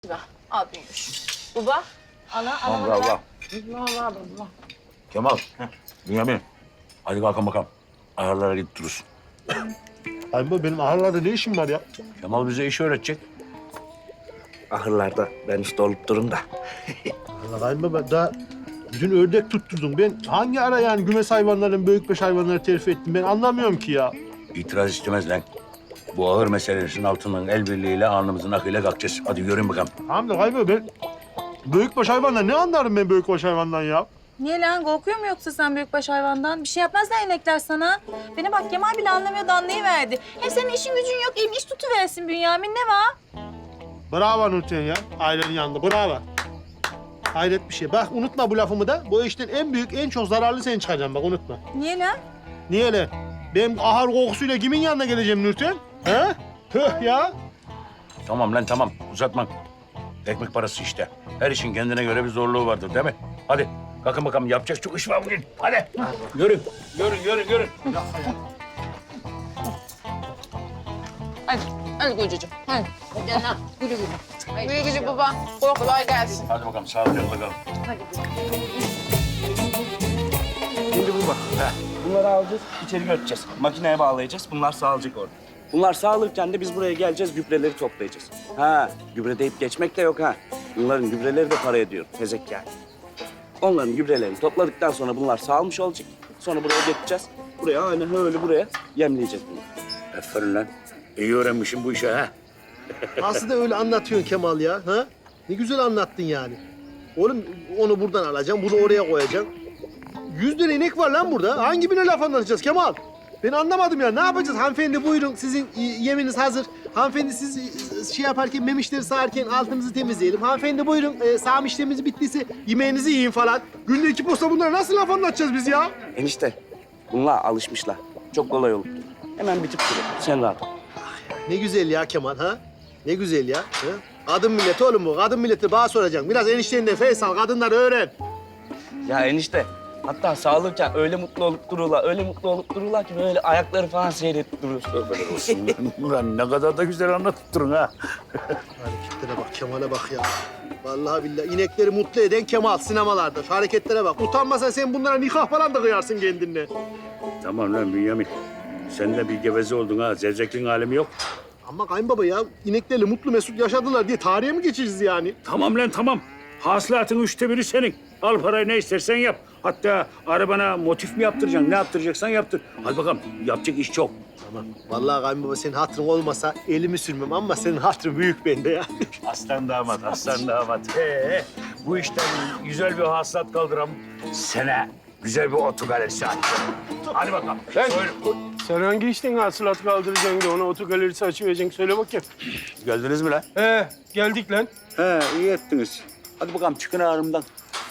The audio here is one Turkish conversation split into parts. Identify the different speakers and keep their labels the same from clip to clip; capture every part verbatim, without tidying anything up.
Speaker 1: Al büyümüş. Baba, ana, ana,
Speaker 2: Allah Allah.
Speaker 1: Allah, Allah, Allah.
Speaker 2: Kemal, Bünyamin. Hadi kalkın bakalım. Ahırlara gidip durursun.
Speaker 3: Abi benim ahırlarda ne işim var ya?
Speaker 2: Kemal bize iş öğretecek.
Speaker 4: Ahırlarda ben işte olup durum da.
Speaker 3: Allah kayınbaba daha dün ördek tutturdum. Ben hangi ara yani gümes hayvanların büyükbaş hayvanları terfi ettim ben anlamıyorum ki ya.
Speaker 2: İtiraz istemez lan. Bu ağır meselesinin altından el birliğiyle alnımızın akıyla kalkacağız. Hadi yürüyün bakalım.
Speaker 3: Tamam da kayınbaba ben büyükbaş hayvanlar ne anlarım ben büyükbaş hayvandan ya?
Speaker 1: Niye lan? Korkuyor mu yoksa sen büyükbaş hayvandan? Bir şey yapmazlar inekler sana. Bana bak Kemal bile anlamıyor da anlayıverdi. Hem senin işin gücün yok, elin iş tutuversin Bünyamin. Ne var?
Speaker 3: Bravo Nurten ya. Ailenin yanında bravo. Hayret bir şey. Bak unutma bu lafımı da. Bu işten en büyük, en çok zararlı sen çıkacaksın bak unutma.
Speaker 1: Niye lan?
Speaker 3: Niye lan? Ben ahır kokusuyla kimin yanına geleceğim Nurten? He? Tüh ya.
Speaker 2: Tamam lan tamam. Uzatma. Ekmek parası işte. Her işin kendine göre bir zorluğu vardır değil mi? Hadi kalkın bakalım. Yapacak çok iş var bugün. Hadi. Yürü. Yürü, yürü, yürü.
Speaker 1: Hadi, hadi kocacığım. Hadi. Hadi lan, güle güle. Güle güle baba. Kolay gelsin.
Speaker 2: Hadi bakalım sağlıcakla kalın.
Speaker 4: Şimdi bu bak. Bunları alacağız, içeri götüreceğiz. Makineye bağlayacağız, bunlar sağlayacak orada. Bunlar sağlarken de biz buraya geleceğiz, gübreleri toplayacağız. Ha, gübre deyip geçmek de yok ha. Bunların gübreleri de para ediyor, tezek yani. Onların gübrelerini topladıktan sonra bunlar sağılmış olacak. Sonra buraya getireceğiz. Buraya aynen öyle buraya yemleyeceğiz bunu.
Speaker 2: Aferin lan. İyi öğrenmişsin bu işi ha.
Speaker 3: Aslında öyle anlatıyorsun Kemal ya. Ha? Ne güzel anlattın yani. Oğlum onu buradan alacaksın, bunu oraya koyacaksın. Yüz tane inek var lan burada. Hangi birine laf anlatacağız Kemal? Ben anlamadım ya. Ne yapacağız? Hanımefendi buyurun sizin e, yeminiz hazır. Hanımefendi siz e, şey yaparken, memişleri sağarken altınızı temizleyelim. Hanımefendi buyurun e, sağım işlemimiz bittiyse yemeğinizi yiyin falan. Günde iki posta bunlara nasıl laf anlatacağız biz ya?
Speaker 4: Enişte, bunlar alışmışlar. Çok kolay olur. Hemen bitip duruyor. Sen rahat ol.
Speaker 3: Ne güzel ya Kemal ha? Ne güzel ya. Ha? Kadın milleti oğlum bu. Kadın milleti bana soracaksın. Biraz eniştenden Faysal kadınları öğren.
Speaker 4: Ya enişte, hatta sağlarken öyle mutlu olup dururlar, öyle mutlu olup dururlar ki böyle ayakları falan seyredip durur.
Speaker 2: Böyle olsun. Ulan ne kadar da güzel anlatıp durun ha.
Speaker 3: Hareketlere bak, Kemal'e bak ya. Vallahi billahi inekleri mutlu eden Kemal sinemalarda. Şu hareketlere bak. Utanmasan sen bunlara nikah falan da kıyarsın kendinle.
Speaker 2: Tamam lan Bünyamin. Sen de bir geveze oldun ha. Zevzekliğin alemi yok.
Speaker 3: Ama kayınbaba ya ineklerle mutlu mesut yaşadılar diye tarihe mi geçeceğiz yani?
Speaker 2: Tamam lan tamam. Hasılatın üçte biri senin. Al parayı ne istersen yap. Hatta arabana motif mi yaptıracaksın? Ne yaptıracaksan yaptır. Hadi bakalım. Yapacak iş çok.
Speaker 3: Tamam. Vallahi kayınbaba senin hatırın olmasa elimi sürmem ama senin hatırın büyük bende ya.
Speaker 2: Aslan damat, aslan damat. Ee, bu işten güzel bir hasılat kaldıram. Sene güzel bir otogalerisi açacağım. Hadi bakalım.
Speaker 5: Ben-
Speaker 2: Söyle.
Speaker 5: Sen hangi işten hasılat kaldıracaksın da ona otogalerisi açıvereceksin? Söyle bakayım.
Speaker 2: Geldiniz mi lan?
Speaker 5: He, geldik lan.
Speaker 2: He, iyi ettiniz. Hadi bakalım çıkın ağrımdan.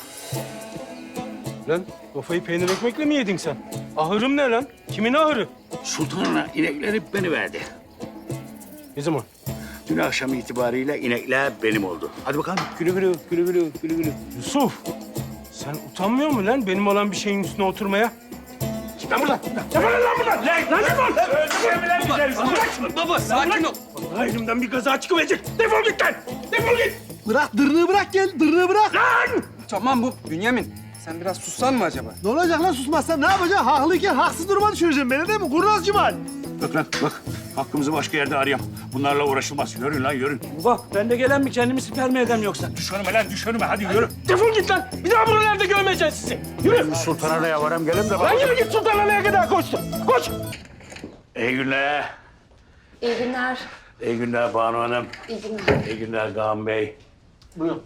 Speaker 5: Lan kafayı peynir ekmekle mi yedin sen? Ahırım ne lan? Kimin ahırı?
Speaker 2: Sultanına inekleri beni verdi.
Speaker 5: Ne zaman?
Speaker 2: Dün akşam itibariyle inekler benim oldu. Hadi bakalım. Gülü gülü, gülü gülü, gülü gülü.
Speaker 5: Yusuf, sen utanmıyor musun lan benim olan bir şeyin üstüne oturmaya?
Speaker 2: Çık lan buradan. Çık lan buradan. Lan, lan defol. Öldürme lan güzel. Bırak şunu.
Speaker 6: Baba sakin ol.
Speaker 5: Vallahi elimden bir kaza çıkıverecek. Defol git lan! Defol git!
Speaker 3: Bırak dırnığı bırak gel dırnığı bırak.
Speaker 5: Lan!
Speaker 6: Tamam bu Bünyamin. Sen biraz sussan mı acaba?
Speaker 3: Ne olacak lan susmazsan ne yapacaksın? Haklıyken haksız duruma düşüreceksin beni değil mi? Kurnaz Cimal.
Speaker 2: Bak lan bak. Hakkımızı başka yerde arayalım. Bunlarla uğraşılmaz. Yürün lan yürün.
Speaker 4: Bak, ben de gelen mi kendimi siper mi edem yoksa?
Speaker 2: Düş önüme lan düş önüme. Hadi yürü.
Speaker 5: Defol git lan! Bir daha buralarda görmeyeceğiz sizi. Yürü!
Speaker 2: Sultan'a da varım gelin de
Speaker 5: Lan
Speaker 2: bak.
Speaker 5: yürü git Sultanhane'ye kadar koştu. Koş!
Speaker 2: İyi günler.
Speaker 1: İyi günler.
Speaker 2: İyi günler Banu Hanım.
Speaker 1: İyi günler.
Speaker 2: İyi günler Kaan Bey.
Speaker 5: Buyurun.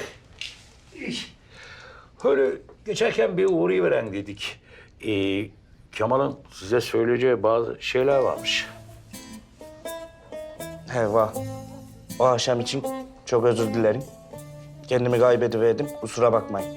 Speaker 2: Öyle geçerken bir uğrayıveren dedik. Ee, Kemal'ın size söyleyeceği bazı şeyler varmış.
Speaker 4: He var. O akşam için çok özür dilerim. Kendimi kaybediverdim, kusura bakmayın.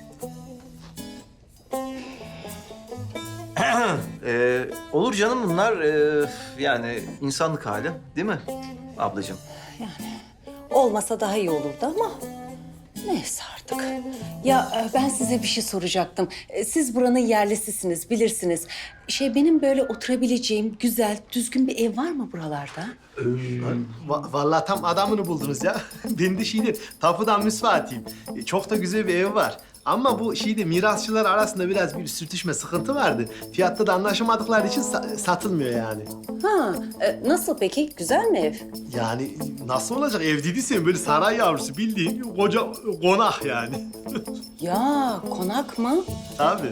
Speaker 7: Ee, olur canım bunlar ee, yani insanlık hali değil mi ablacığım?
Speaker 8: Olmasa daha iyi olurdu ama Neyse artık. Ya e, ben size bir şey soracaktım. E, Siz buranın yerlisisiniz, bilirsiniz. Şey benim böyle oturabileceğim güzel, düzgün bir ev var mı buralarda?
Speaker 3: Va- vallahi tam adamını buldunuz ya. Ben de şeyde tapudan müsvaatiyim. E, Çok da güzel bir ev var. Ama bu şeyde mirasçılar arasında biraz bir sürtüşme, sıkıntı vardı. Fiyatta da anlaşamadıkları için sa- satılmıyor yani.
Speaker 8: Ha, e, nasıl peki? Güzel mi ev?
Speaker 3: Yani nasıl olacak? Ev dediysen böyle saray yavrusu bildiğin koca konak yani.
Speaker 8: Ya konak mı?
Speaker 3: Tabii.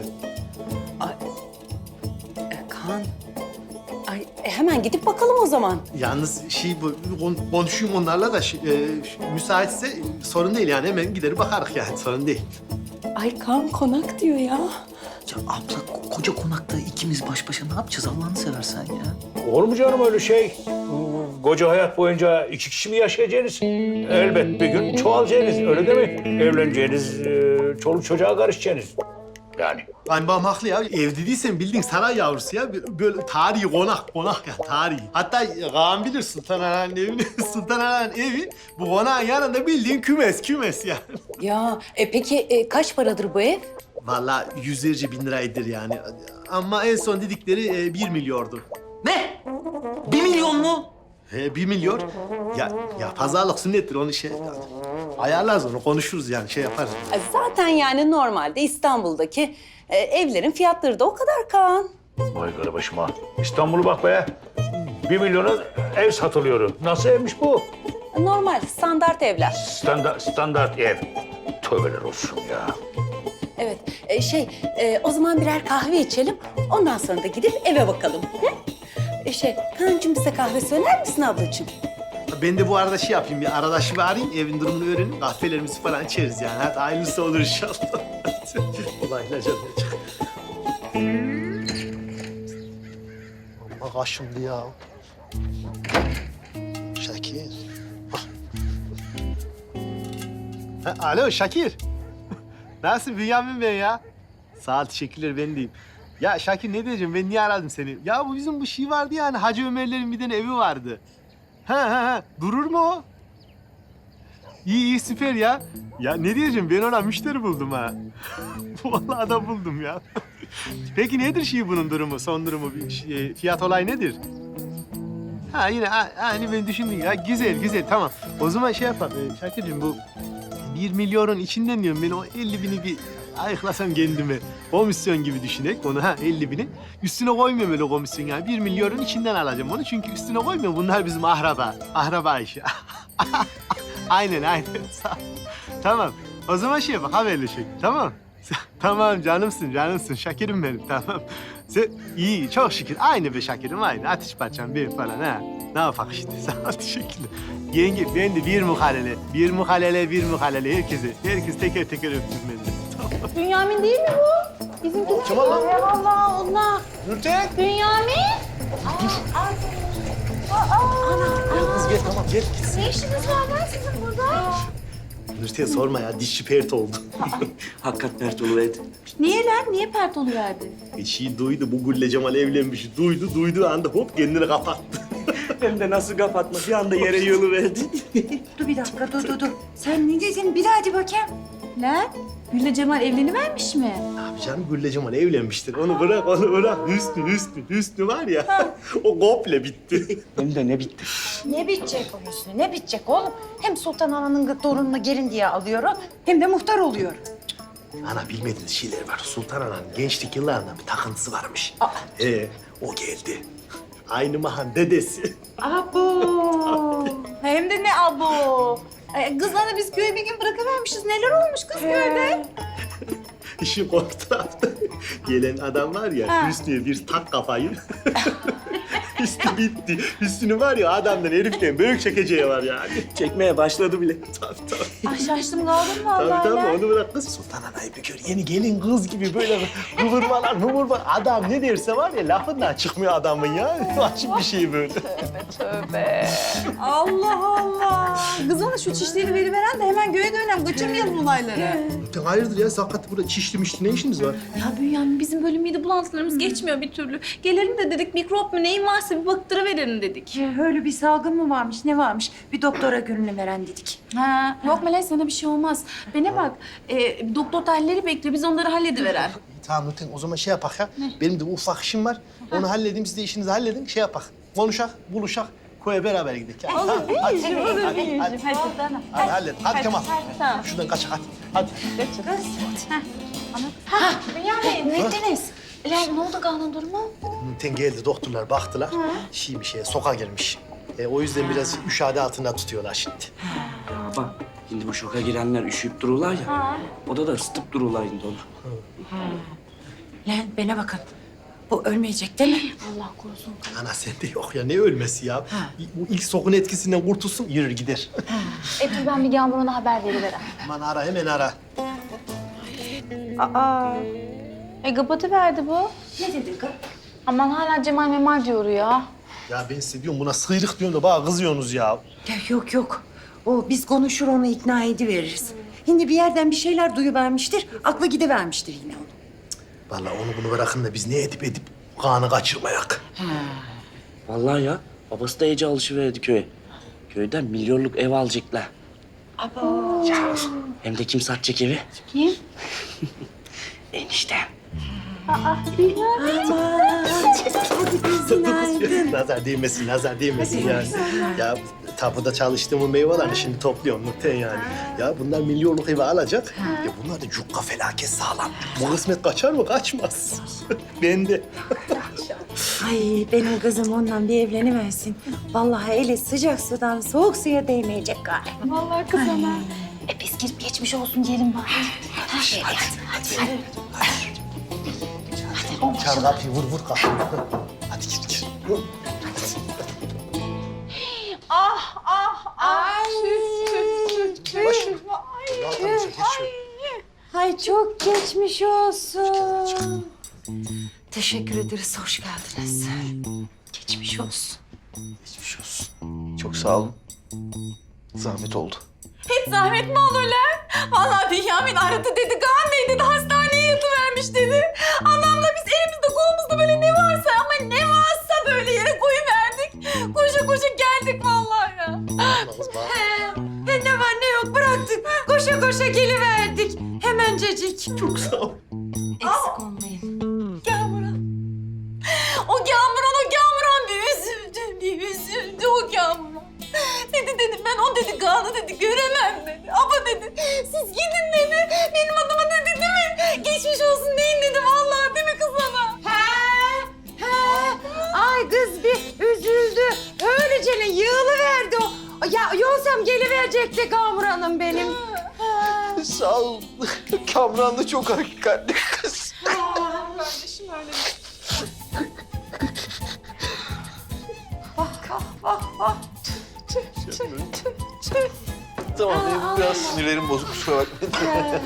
Speaker 8: E, Kaan. Ay, e, hemen gidip bakalım o zaman.
Speaker 3: Yalnız şey bu kon- konuşayım onlarla da şey, e, müsaitse e, sorun değil yani hemen gider bakarız yani sorun değil.
Speaker 8: Ay Kaan konak diyor ya.
Speaker 7: Ya abla ko- koca konakta ikimiz baş başa ne yapacağız Allah'ını seversen ya?
Speaker 2: Olur mu canım öyle şey? Koca hayat boyunca iki kişi mi yaşayacaksınız? Elbet bir gün çoğalacaksınız, öyle değil mi? Evleneceğiniz, e, çoluk çocuğa karışacaksınız. Yani.
Speaker 3: Kayınbağam haklı ya. Ev dediysen bildiğin saray yavrusu ya. Böyle tarihi konak, konak ya tarihi. Hatta Kaan bilir Sultan Ana'nın evini. Sultan Ana'nın evi bu konağın yanında bildiğin kümes, kümes yani.
Speaker 8: Ya e, peki e, kaç paradır bu ev?
Speaker 3: Vallahi yüzlerce bin liraydır yani. Ama en son dedikleri e, bir milyondu.
Speaker 7: Ne? Bir milyon mu?
Speaker 3: He, bir milyon. Ya, ya pazarlık sünnettir onu şey... Ayarlarız onu, konuşuruz yani şey yaparız.
Speaker 8: E, Zaten yani normalde İstanbul'daki e, evlerin fiyatları da o kadar Kaan.
Speaker 2: Vay garibaşıma. İstanbul'u bak be. Bir milyona ev satılıyor. Nasıl evmiş bu?
Speaker 8: Normal, standart evler.
Speaker 2: Standart, standart ev. Tövbeler olsun ya.
Speaker 8: Evet, e, şey e, o zaman birer kahve içelim. Ondan sonra da gidip eve bakalım. Hı? E, şey, Kaan'cığım bize kahve söyler misin ablacığım?
Speaker 3: Ben de bu arada şey yapayım, bir arkadaşımı arayayım, evin durumunu öğrenip kahvelerimizi falan içeriz yani. Hadi hayırlısı olur inşallah. Kolayla canım. Amma kaşındı ya. Şakir. Ha, alo Şakir. Nasılsın Bünyamin ben ya? Sağ ol, teşekkürler ben deyim. Ya Şakir ne diyeceğim, ben niye aradım seni? Ya bu bizim bu şey vardı yani, Hacı Ömerlerin bir tane evi vardı. Ha ha ha. Durur mu o? İyi iyi süper ya. Ya ne diyeceğim ben ona müşteri buldum ha. Vallahi adam buldum ya. Peki nedir şey bunun durumu, son durumu, bir şey, fiyat olay nedir? Ha yine a- aynı ben düşündüm ya. Güzel güzel tamam. O zaman şey yapalım. Ee, Şakir'cim bu bir milyonun içinden diyorum ben o elli bini bir ayıklasam kendime. Komisyon gibi düşünek onu ha elli bini. Üstüne koymuyorum öyle komisyon yani. Bir milyonun içinden alacağım onu çünkü üstüne koymuyorum. Bunlar bizim ahraba. Ahraba işi. Aynen aynen. Sağ ol. Tamam. O zaman şey bak haberleşelim. Tamam. Tamam canımsın canımsın. Şakirim benim tamam. Sen iyi çok şükür. Aynı be Şakirim aynı. Ateş parçam bir falan ha. Ne yapak işte. Sağ ol teşekkürler. Yenge ben de bir muhalele. Bir muhalele bir muhalele herkese. Herkes teker teker öptüm beni. Tamam.
Speaker 1: Bünyamin değil mi bu? Bizimkiler.
Speaker 3: Kim o lan?
Speaker 1: Ay Allah Allah.
Speaker 3: Nurten.
Speaker 1: Bünyamin.
Speaker 3: Kız gel tamam gel.
Speaker 1: Ne işiniz var lan sizin burada?
Speaker 3: Nurten sorma ya dişçi pert oldu.
Speaker 4: Hakikat pert oluverdi.
Speaker 1: Niye lan? Niye pert oluverdi?
Speaker 3: Bir şey duydu bu Gülle Cemal evlenmiş. Duydu duyduğu anda hop kendini kapattı.
Speaker 4: Hem de nasıl kapatma bir anda yere yığılıverdi.
Speaker 1: Dur bir dakika dur dur dur. Sen ne dedin? Bir daha hadi bakayım. Lan Gülle Cemal evlenivermiş mi?
Speaker 3: Abi canım Gülle Cemal evlenmiştir. Onu bırak onu bırak. Hüsnü Hüsnü Hüsnü var ya. O komple bitti.
Speaker 4: Hem de ne bitti.
Speaker 9: Ne bitecek o Hüsnü, ne bitecek oğlum? Hem Sultan Ana'nın torununu gelin diye alıyor, hem de muhtar oluyor.
Speaker 3: Ana bilmediğiniz şeyler var. Sultan Ana'nın gençlik yıllarında bir takıntısı varmış. Ee, o geldi. Aynı mahan dedesi.
Speaker 1: Abo. Hem de ne abo. Ay, kızlarla biz köye bir gün bırakıvermişiz. Neler olmuş kız köyde?
Speaker 3: İşin korku tarafta. Gelen adam var ya,
Speaker 1: Ha.
Speaker 3: Hüsnü'ye bir tak kafayı. Hüsnü bitti. Hüsnü var ya adamdan heriften büyük çekeceği var yani.
Speaker 4: Çekmeye başladı bile.
Speaker 3: Tabii tabii.
Speaker 1: Ay şaştım kaldım
Speaker 3: Tabii
Speaker 1: vallahi
Speaker 3: tabii
Speaker 1: lan.
Speaker 3: onu bırak kız. Sultan Ana'yı bir gör. Yeni gelin kız gibi böyle kıvırmalar mıvırmalar. Adam ne derse var ya lafından çıkmıyor adamın ya. Açık bir şey böyle.
Speaker 1: Tövbe. Allah Allah. Kız ona şu çişleri veriveren de hemen göğe dönem. Kaçırmayalım olayları.
Speaker 3: Hayırdır ya sakat burada çişli mişli ne işiniz var?
Speaker 1: Ya Bünyamin bizim böyle mide bulantılarımız geçmiyor bir türlü. Gelelim de dedik mikrop mu neyin varsa varsa bir baktırıverelim dedik.
Speaker 9: Ee, Öyle bir salgın mı varmış, ne varmış? Bir doktora gönlünü veren dedik.
Speaker 1: Ha, yok Melek sana bir şey olmaz. Bana bak, e, doktor tahlilleri bekliyor. Biz onları hallediveren.
Speaker 3: Tamam Nurten o zaman şey yapak ya. Benim de ufak işim var. Onu halledeyim siz de işinizi halledin. Şey yapak. Konuşak, buluşak. Koya beraber gidelim. Ya. Olur
Speaker 1: değil
Speaker 3: hadi,
Speaker 1: olur
Speaker 3: hadi,
Speaker 1: değil
Speaker 3: hadi,
Speaker 1: Hadi.
Speaker 3: hadi, hallet. Hadi Kemal.
Speaker 1: Tamam.
Speaker 3: Şuradan kaçak hadi. Hadi.
Speaker 1: Bünyamin, ne ettiniz? Lan ne oldu Kaan'ın durumu?
Speaker 3: Nurten geldi doktorlar baktılar. Şey bir şeye soka girmiş. E, o yüzden biraz müşahede altında tutuyorlar şimdi.
Speaker 4: Baba, şimdi bu şoka girenler üşüyüp dururlar ya. Oda da ısıtıp dururlar şimdi onu.
Speaker 9: Lan bana bakın. Bu ölmeyecek değil mi?
Speaker 1: Allah korusun.
Speaker 3: Ana sende yok ya ne ölmesi ya. Bu ilk sokun etkisinden kurtulsun yürür gider.
Speaker 1: E dur ben bir Yağmur'a haber veriverem.
Speaker 3: Aman ara hemen ara.
Speaker 1: Aa. E kapatıverdi bu.
Speaker 9: Ne dedin kız?
Speaker 1: Aman hala Cemal Memal diyor ya.
Speaker 3: Ya ben size diyorum buna sıyrık diyorum da bana kızıyorsunuz ya.
Speaker 9: Ya yok yok. O biz konuşur onu ikna ediveririz. Şimdi bir yerden bir şeyler duyuvermiştir, aklı gidivermiştir yine onu.
Speaker 3: Vallahi onu bunu bırakın da biz ne edip edip kanı kaçırmayak.
Speaker 4: Vallahi ya, babası da iyice alışıverdi köye. Köyden milyonluk ev alacaklar.
Speaker 9: Abo.
Speaker 4: Ya, hem de kim satacak evi?
Speaker 1: Kim?
Speaker 4: Eniştem.
Speaker 3: Nazar değmesin, nazar değmesin yani. Ya tapuda çalıştığımın meyvelerini şimdi topluyorum Nurten yani. Ya bunlar milyonluk evi alacak. Ya bunlar da cukka felaket sağlam. Bu kısmet kaçar mı? Kaçmaz. Ben de.
Speaker 9: Ay benim kızım ondan bir evleniversin. Vallahi eli sıcak sudan soğuk suya değmeyecek galiba.
Speaker 1: Vallahi kız ana. E biz gidip geçmiş olsun diyelim bari.
Speaker 3: Hadi, hadi, hadi. Çal kapıyı, vur vur kapıyı. Hadi gir gir.
Speaker 1: Ah ah ah. Tüh tüh tüh
Speaker 3: Yavaş.
Speaker 1: tüh.
Speaker 3: Allah'tan bir şey geç şöyle.
Speaker 9: Ay çok geçmiş olsun. Teşekkür ederiz, hoş geldiniz. Geçmiş olsun.
Speaker 7: Geçmiş olsun. Çok sağ olun. Zahmet oldu.
Speaker 1: Hiç zahmet mi olur lan? Vallahi Bünyamin aradı dedi, Kaan Bey dedi, hastaneye yatıvermiş dedi. Anamla biz elimizde kolumuzda böyle ne varsa ama ne varsa böyle yere koyuverdik. Koşa koşa geldik vallahi ya.
Speaker 9: He, he ne var ne yok bıraktık. Koşa koşa geliverdik. Hemencecik.
Speaker 3: Çok sağ ol.
Speaker 9: Eksik olmayın.
Speaker 1: Kamuran. O Kamuran, o Kamuran bir üzüldü, bir üzüldü o Kamuran. Dedi dedi ben o dedi Kaan'ı dedi göremem dedi. Ama dedi siz gidin dedi. Benim adıma dedi değil mi? Geçmiş olsun deyin dedi vallahi değil mi kız ana?
Speaker 9: He, he. Ay kız bir üzüldü. Öylece yığılıverdi o. Ya yolsam geliverecekti Kamuran'ım benim.
Speaker 7: Sağ ol. Kamran da çok hakikatli kız.
Speaker 1: Kardeşim öyle. Bak bak bak bak. Tüh tüh tüh tüh tüh.
Speaker 7: Tamam benim biraz sinirlerim bozuk kusura bakmayın.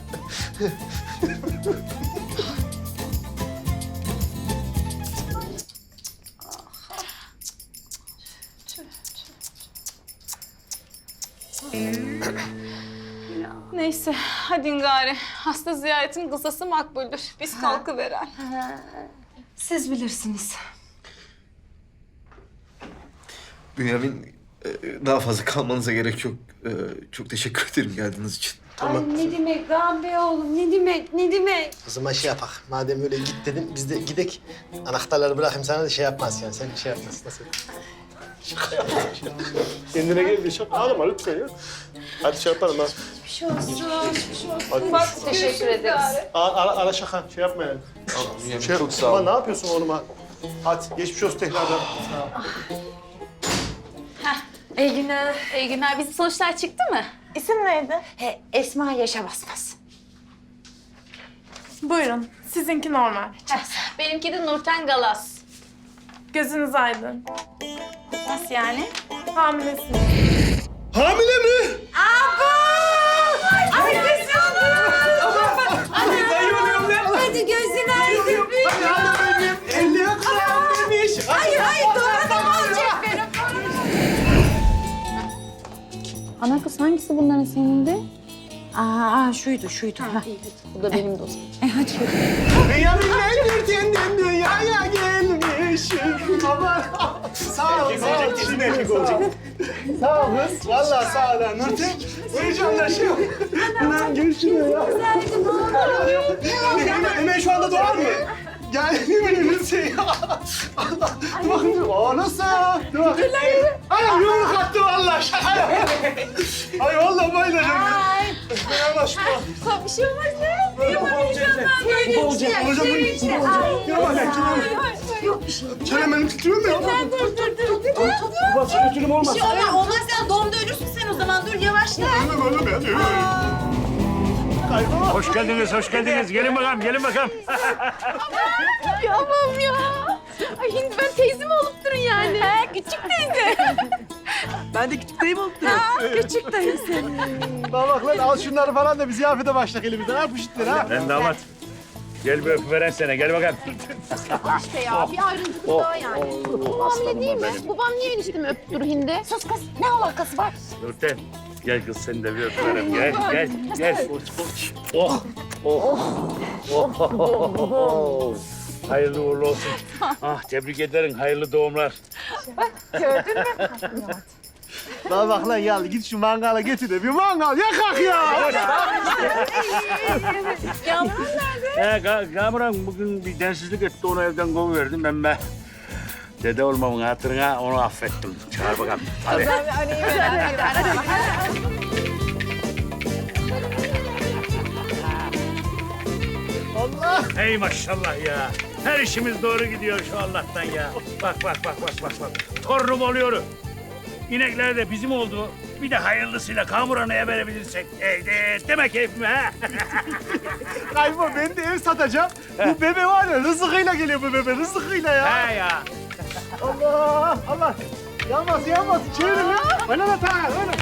Speaker 1: Neyse hadi gari. Hasta ziyaretin kısası makbuldür. Biz kalkıveren.
Speaker 9: Siz bilirsiniz.
Speaker 7: Bünyamin e, daha fazla kalmanıza gerek yok. E, Çok teşekkür ederim geldiğiniz için.
Speaker 3: Tamam.
Speaker 9: Ay ne demek Kaan Bey oğlum ne demek ne demek.
Speaker 3: O zaman şey yapak. Madem öyle git dedim biz de gidek. Anahtarları bırakayım sana da şey yapmaz yani. Sen şey yapmazsın. Nasıl? Şaka yaptım.
Speaker 5: Kendine gel bir şaka ağlama lütfen ya. Hadi şey yapalım ha.
Speaker 9: Geçmiş olsun. Geçmiş olsun.
Speaker 3: Hadi.
Speaker 1: Bak teşekkür ederiz.
Speaker 3: Ara, ara, ara şaka. Şey yapma yani.
Speaker 7: Bünyamin
Speaker 3: Şey,
Speaker 7: çok sağ
Speaker 3: Aman
Speaker 7: ol.
Speaker 3: ne yapıyorsun oğluma? Hadi geçmiş olsun tekrardan.
Speaker 9: İyi günler.
Speaker 1: İyi günler. Bizim sonuçlar çıktı mı? İsim neydi?
Speaker 9: He, Esma Yaşa Basmaz.
Speaker 10: Buyurun, sizinki normal.
Speaker 1: Benimki de Nurten Galas.
Speaker 10: Gözünüz aydın.
Speaker 1: Nasıl yani?
Speaker 10: Hamilesiniz.
Speaker 3: Hamile mi?
Speaker 9: Ay gözün Hadi gözün aydın.
Speaker 3: elli yakalamış.
Speaker 9: Ay ay doğru olacak benim.
Speaker 1: Ana kız hangisi bunların senindi?
Speaker 9: Aa şuydu şuydu. Ha.
Speaker 1: Bu da benim dostum.
Speaker 9: E, hadi.
Speaker 3: Bünyamin Nurten'den dünyaya gelmiş. Eşek aman. Sağ ol, sağ ol. Kesin erkek olacak. Sağ ol kız. Vallahi sağ ol. Nurten, heyecanlaşıyor. Lan gel şuraya ya. Hemen, hemen şu anda doğar mı? Gel hemen Nurten ya. Allah. Dur bakayım. Aa nasıl? Dur bakayım. Ay yumruk attı vallahi. Şaka yap. Ay vallahi bayılacağım.
Speaker 1: Ay.
Speaker 3: Yanaşma.
Speaker 1: Bir şey olmaz ya.
Speaker 3: Olacak, olacak. Gel bak, gel.
Speaker 1: Yok bir şey.
Speaker 3: Çenem benim titriyor mu ya?
Speaker 1: Dur dur dur dur.
Speaker 3: Basın götürüm olmaz.
Speaker 1: Bir şey olmaz. Olmaz sen doğumda ölürsün sen o zaman. Dur yavaşla.
Speaker 3: Ölüm, ölüm, ölüm. Kaybolma.
Speaker 2: Hoş geldiniz, hoş geldiniz. Gelin bakalım, gelin bakalım.
Speaker 10: Yapamam ya. Ay şimdi ben teyze mi olup durun yani?
Speaker 1: He küçük teyze.
Speaker 6: Ben de küçük dayım olup duruyorum.
Speaker 1: Küçük teyze.
Speaker 3: Bak bak lan al şunları falan da bir ziyafete başlak elimizden. Ha bu şitleri ha.
Speaker 2: Ben damat. Gel bir öpüveren sene, gel bakalım.
Speaker 10: İşte ya bir ayrıntı daha yani. Bu hamile değil mi? Babam niye eniştemi öptü dur hindi?
Speaker 1: Sus kız. Ne alakası var?
Speaker 2: Nurten, gel kız seni de bir öpüverem. Gel, gel, gel. Oh, oh, oh, oh, oh. Hayırlı uğurlu olsun. Ah, tebrik ederim, hayırlı doğumlar.
Speaker 3: Bak bak lan yallı git şu mangala getir de bir mangal yakak ya.
Speaker 1: Yavrum nerede?
Speaker 2: He, Ka Kamuran bugün bir densizlik etti, onu evden kovuverdim. Ben be dede olmamın hatırına onu affettim. Çağır bakalım, hadi.
Speaker 3: Allah.
Speaker 2: Hey maşallah ya. Her işimiz doğru gidiyor şu Allah'tan ya. Bak bak bak bak bak bak. Torunum oluyor. İnekler de bizim oldu. Bir de hayırlısıyla Kamuran'a verebilirsek. Eydi deme keyfime ha.
Speaker 3: Kaybo ben de ev satacağım. Bu bebe var ya rızıkıyla geliyor bu bebe rızıkıyla ya.
Speaker 2: He ya.
Speaker 3: Allah Allah. Yanmaz yanmaz çevirin lan. Öyle de tak öyle.